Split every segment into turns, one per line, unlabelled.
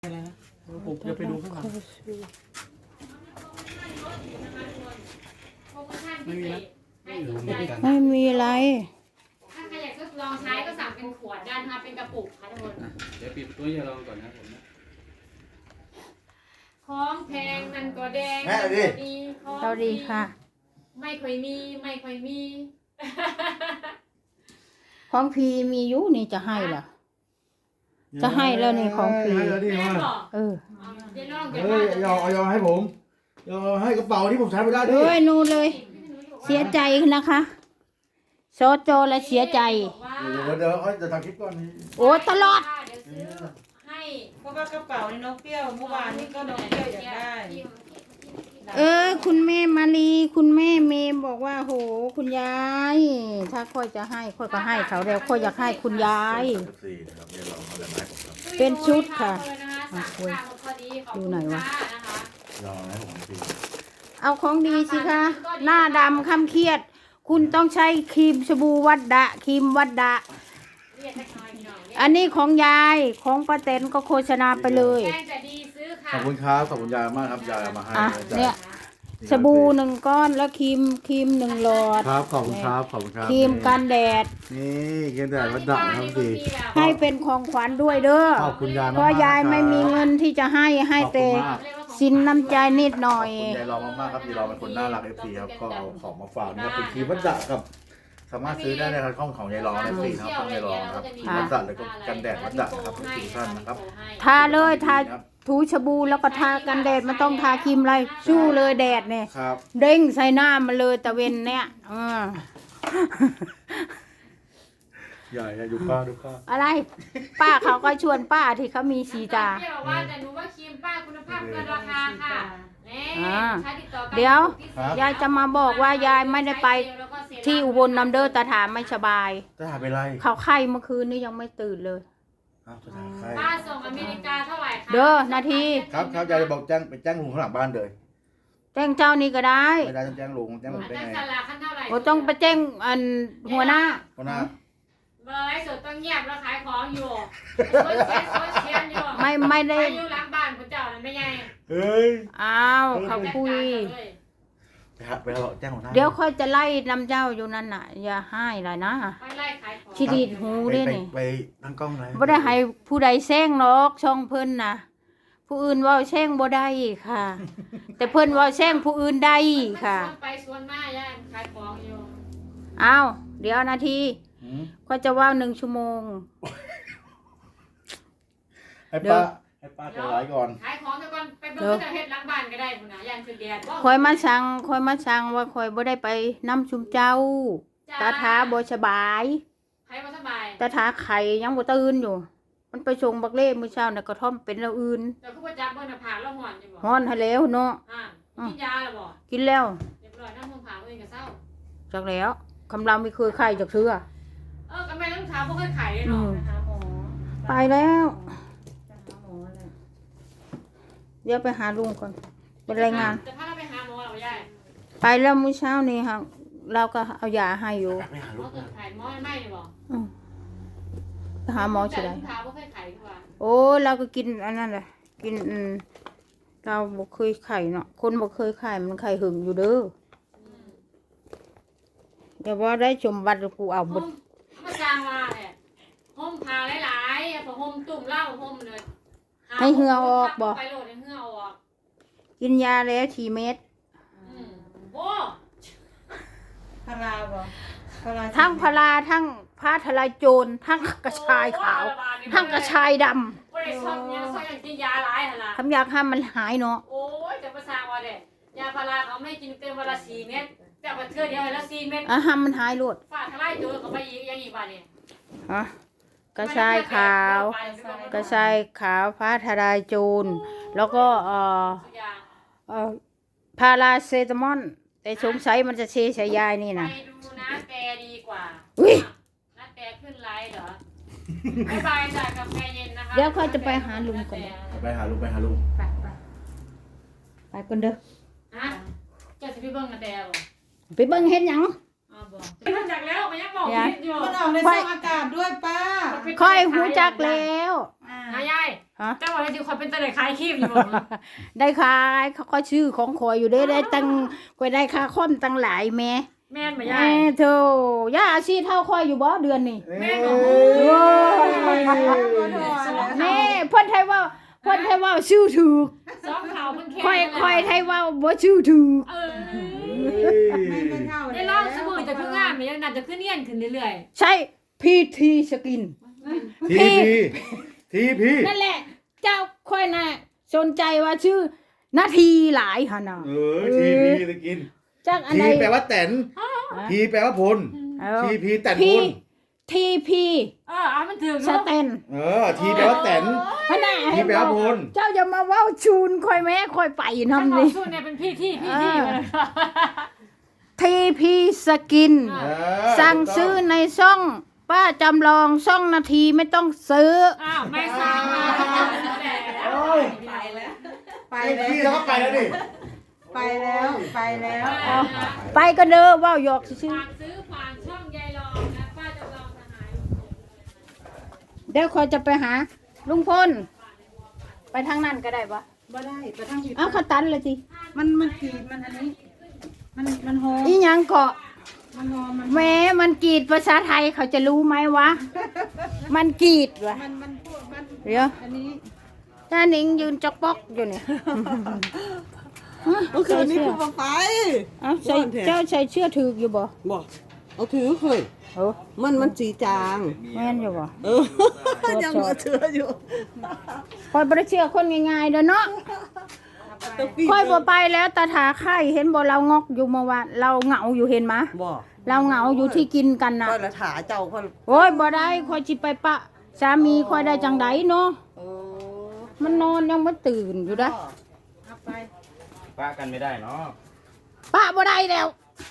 อะไรนะผมจะไปดูข้างหลังไม่มีนะ
ไม่มีอะไร
ถ้าใครอยากทดลองใช้ก็สั่งเป็นขวดได้นะคะเป็นกระปุกค่ะทุกคน
เดี๋ยวปิดประตูอย่าลองก่อนนะผมนะ
ของแพงนั่นก็แดงดี
เราดีค่ะ
ไม่ค่อยมี
ของพีมีอยู่นี่จะให้เหรอจะให้แล้วนี่ของพี
แม่บอก
เออ
ยอให้ผมยอให้กระเป๋าที่ผมใช้ไม่ได้ด้
ด้
ว
วย ยนูเลยเสียใจนะคะโซโจและเสียใจ
เดี๋ยวจะทำคลิปก่อน
โอ้ตลอด
ให้
เพราะว่ากระเป๋าในน้องเปรี้ยวเมื่อวานนี้ก็น้องเปรี้ยวอยากได้
คุณแม่มาลีคุณแม่เมย์บอกว่าโหคุณยายถ้าค่อยจะให้ค่อยก็ให้เขาแล้วค่อยอยากให้คุณยายเป็นชุดค่ะดูหน่อยวะเอาของดีสิคะหน้าดำคำเครียดคุณต้องใช้ครีมสบู่วัดดะครีมวัดดะอันนี้ของยายของป้าเต็นก็โฆษณาไปเลย
ขอบคุณครับขอบคุณยายมากครับยายเอามาให้
เนี่ยสบู่1 ก้อนแล้วครีม1 หลอด
ครับขอบคุณครับขอบคุณครับ
ครีมกันแดด
นี่กันแดดวัดดะครับดี
ให้เป็นของขวัญด้วยเด้อ
ขอบคุณยายมาก
เพราะยายไม่มีเงินที่จะให้แต่สินน้ำใจนิดหน่อย
ยายรอมากๆครับยายรอเป็นคนน่ารักFCครับก็เอาของมาฝากนะครับเป็นครีมวัดดะครับสามารถซื้อได้ในร้านของยายรอFCครับของยายรอครับครีมวัดดะแล้วก็กันแดดวัดดะครับทุกท่านนะครับ
ทาเลยทาถูชบูแล้วก็ทากันแดดมันต้องทาครีมอะไรสู้เลยแดดเนี่ยเด้งใส่หน้ามันเลยตะเวนเนี่ย
ใหญ่ดูป้าดูป้า
อะไรป้าเขาก็ชวนป้าที่เขามีสีตา
ว่าแต่หนูว่าครีมป้าคุณภาพเกินราคาค่ะ
เดี๋ยวยายจะมาบอกว่ายายไม่ได้ไปที่อุบลน้ำเด้อตาถามไม่สบาย
ตาถามเป็นไร
เขาไข้เมื่อคืนนี้ยังไม่ตื่นเลย
ป้าส่งอเมริกาเท่าไหร่คะ
เด้อนาที
ครับยายจะบอกไปแจ้งลุงข้างหลังบ้านเลย
แจ้งเจ้านี่ก็ได้
ไม่ได้ต้องแจ้งลุงได้ไง
โอ้ต้องไปแจ้งหัวหน้า
เบอร์ไอ้สุดต้องเงียบแล้วขายของอยู่
ไม่ได้
อยู่หลังบ้านคุณเจ้านั่นไม่ไง
เฮ้ย
อ้าวเขาคุย
ไปบอกแจ้งหัวหน้า
เดี๋ยวค่อยจะไล่นำเจ้าอยู่นั่นน่ะอย่าให้เลยนะชีดีดหูได้นี่
ไปตั้งกล้องเลย
บ่ได้ให้ผู้ใดแซงหรอกช่องเพิ่นนะผู้อื่นเว้าแซงบ่ได้ค่ะแต่เพิ่นเว้าแซงผู้อื่นได้ค่ะ
ไปสวนมาย่าขายของอยู่
อ้าวเดี๋ยวนาทีก็จะว่า1 ชั่วโมง
ให้ป้าจะไลฟ์ก่อน
ขายของก่อนไปเบิ่งจะเฮ็ดหลังบ้านก็ได้พุ่นน่ะย่านคือแดด
คอยมาสั่งว่าคอยบ่ได้ไปนำชุมเจ้าตาถาบ่สบาย
ใครบ่สบาย
ตาถาไข่ยังบ่ตื่นอยู่มันไปส่งบักเล่มื้อเช้าน่ะกระท่อมเป็นแล้วอื่น
แต่คือว่าจับเบิ่งน่ะผ่าแล้วฮ้อนอยู่บ่
ฮ้อนให้แล้วเนาะ
กินยาแล้วบ่
กินแล้ว
เรียบร้อยน้ำมันผ่าเองก็เศร้า
จักแล้วคำเราไม่เคยไข่จักเทื่อ
ก็แม่ต้องถามบ่เคยไข่เลยเนาะนะคะหมอ
ไปแล้วเดี๋ยวไปหาลุงก่อนเป็นรายงาน
จะพาเราไปหาหมอเหรอยาย
ไปแล้วมื้อเช้านี้ค่ะเราก็เอายาให้อยู่
ไปหาลูกไข่หมอไม่เลยบ่
ไปหาหมอสิได้โอ้เราก็กินอันนั้นแหละกินเราบ่เคยไข่เนาะคนบ่เคยไข่มันไข่หึงอยู่เด้ออย่าว่าได้ชมบัตรกูเอาหมด
มาสร้างว่าแหละห่มผ้าหลายๆพอห่มตุ่มเหล้าห่มเลย
ให้เหือออกบ่
ไปโหลดให้เหือออก
กินยาแล้ว4 เม็ด
โอ้
พาราบ่
ทั้งพาราทั้งผ้าทลายโจรทั้งกระชายขาวทั้งกระชายดำ
บ่ได้ชอบเนี่ยชอบอย่างกินยาหลายหั่นล่ะ
คำอยากให้มันหายเนาะ
โอ้ยจะมาสร้างว่าเด้ยาพาราเขาไม่กินเต็มวันละ4 เม็ดแต่ว่าเทื่อเดียวให้ละ4 เม็ด
ให้มันหายโลด
ฟ้าทลายโจรเข้าไปอีกบาดนี่
กระชายขาวผ้าทลายโจรแล้วก็พาราเซตามอลแต่สงสัยมันจะเชใช้ยายนี่นะ
ไปดูนะแต่ดีกว่านะแต่ขึ้นไลน์เหรอบ๊ายบายจ้ะกาแฟเย็นนะคะ
เดี๋ยวเขาจะไปหาลุงก่อน
ไปหาลุง
ไปก่อนเด้อ
จะไปเบิ่งนะแต่บ่
ไปเบิ่งเฮ็ดหยัง
ไปรู้จักแล้วมันยังบอกผิดอยู่
มันออกในช่องอากาศด้วยป้า
ค่อยหูจักแล้ว
ยาย
ฮะ
แต่ว่าจริงๆคนเป็นตะไลคล้ายคีบอยู่บ่
ได้ขายเขาก็ชื่อของข่อยอยู่เด้ได้ตั้งข่อยได้ค่าคอมตั้งหลายแม่
แม่นบ่
แม่
ยาย
โธ่ย่าอาชีพเท่าข่อยอยู่บ่เดือนนี้
แม่นบ่
โอ้ยแม่เพิ่นไทยว่าชื่อถูก
ซ้อมข่าวเพิ่นแค่
ค่อยไทยว่าบ่ชื่อถูก
เออ
ไม่เท่า
ได้ลองสมุนจะขึ้นงามมันยังน่าจะขึ้นเนียนขึ้นเรื่อย
ใช่PT สกิน
ทีพี
นั่นแหละ เจ้าค่อยน่ะสนใจว่าชื่อนาทีหลายหั่นน่ะ
ทีพีตะกิน
จักอัน
ที
ใด
แปลว่าแตนพีแปลว่าพล
เออ
ทีพีแตน
P
พล
TP
เอามันถึง
สแตน
ทีแปลว่าแตน
พะน่ะ
ทีแปลว่าพล
เจ้าอย่ามาเว้าชูนค่อยแม่ค่อยไป
ถ้า
นำ
หมอ
นี่
สู้เนี่ยเป็นพี่ที่มาเลย
TP สกิน สั่งซื้อในช่อง ป้าจำลองช่องนาทีไม่ต้องซื้อ
อ้าวไม่สั่งมา
โอ้ย
ไปแล้ว ไป
ไป
แล้ว
ทีแล้วก็ไปแล้วดิ
ไปแล้ว ไปแล้ว
ไปก็เด้อเว้าหยอกซื่อ
ฝากซื้อผ่านช่องยายรองนะป้าจำลองสหาย
ๆเดี๋ยวคอยจะไปหา ลุงพลไปทางนั้นก็ได้ปะ
บ่ได้ไปทางผิด
เอาขาตันเลยสิ
มันขีดมันอันนี้ มันหอม
อีหยังเกาะ
มันหอมมัน
แม้มันกรีดภาษาไทยเขาจะรู้ไหมวะ มันกรีดวะ
มันพูดมัน
เดี๋ยว
อันนี้
จ้าหนิงยืนจอกปอกอยู่เนี่ย
เมื่อคืนนี้คือมาไป
เอาใส่เจ้าใส่เชื่อถืออยู่บ่
บอกเอาถือเคย
โอ้
มันสีจาง
แม่นอยู่บ่
เออ ยังมาเชื่ออยู่
คอยบ่ได้เชื่อคนง่ายๆเด้อเนาะ
ตะกี้
ค่อยบ่ไปแล้วตาถาไข่เห็นบ่เรางอกอยู่เมื่อวานเราเหงาอยู่เห็นมะ
บอก
เราเหงาอยู่ที่กินกันน่ะ
ก็ละถาเจ้าก็
โอ้ยบ่ได้ค่อยสิไปปะสามีค่อยได้จังไดเนาะ
โอ้
มันนอนยังบ่ตื่นอยู่เด้อ
เอาไป
ป้ากันไม่ได้เนาะ
ปะบ่ได้แล้ว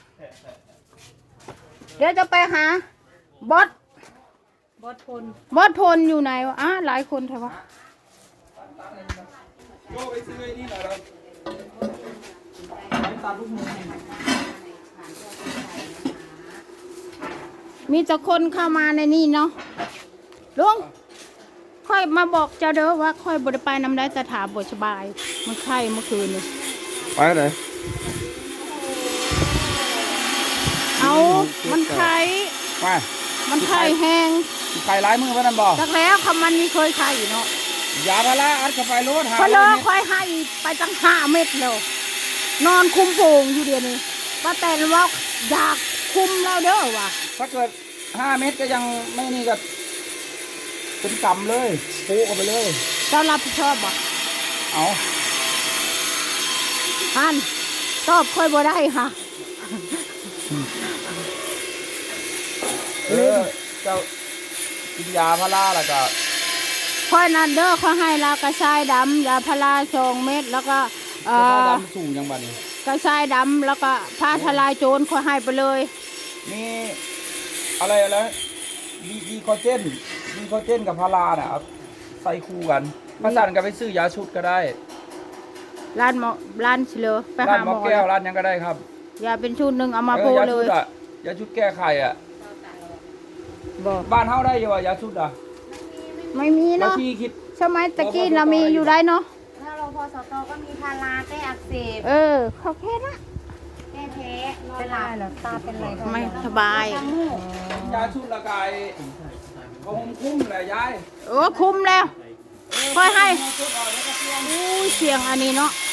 เดี๋ยวจะไปหาบอส
บอสพล
บอสพลอยู่ไหนวะหลายคนแท้วะมีแต่คนเข้ามาในนี่เนาะลุงค่อยมาบอกเจ้าเด้อว่าค่อยบ่ได้ไปนำได้แต่ถามบ่สบาย มันไข้เมื่อคืนนี่
ไปไหน
เอามันไข้
ไป
มันไข้แห้ง
ใครร้ายมือพนันบอก
จักแล้วคำมันมีเคยไข้เนาะ
ยาพาราอัดเข้าไปรถหา
พอเลิกค่อยให้ไปตั้ง5 เม็ดแล้วนอนคุมโป่งอยู่เดี๋ยวนี้ป้าแตนว่าอยากคุมแล้วเด้อว่ะ
ถ้าเกิด5 เม็ดก็ยังไม่นี่ก็เป็นกำเลยโป๊ะออกไปเลย
เจ้ารับผิดชอบบ่
เอา
อันตอบค่อยบ่ได้ค่ะ
เจ้ากินยาพาราแล้วก็
ค่อยนั่นเด้อเขาให้ลากระชายดำยาพารา2 เม็ดแล้วก็
จะดำสูงยังบัดนี้
กระชายดำแล้วก็ผ้าทลายโจรค่อยให้ไปเลย
มีอะไรดีคอเจนกับพาราน่ะเอาใส่คู่กันภาษากันไปซื้อยาชุดก็ได้
ร้านหมอร้านเฉลยไป
ร้า
หาน ห
ห
ม
ม
อ
อแก้วร้านยังก็ได้ครับ
ยาเป็นชุดหนึงเอามาโพ
ยา
เล
ชุ
ย
ดอ่ะยาชุดแก้ไขอ่ะ
บ่
บ้านเฮาได้อยู่อ่ะยาชุดอ่ะ
ไม่มี
แล้ว
เนาะ
ที่คิด
สมัยตะกี้เรามีอยู่ได้เนาะ
ถ้าเราพอสตก็มีพาราแก้อักเสบ
เขาแค่นะ
แก้แพ้เป็นไรเหรอตาเป็นไร
ไม่สบาย
ยาชุดละกายเขาคงคุ้มแหละยาย
คุ้มแล้วค่อยให้อุ้ยเสียงอันนี้เนาะ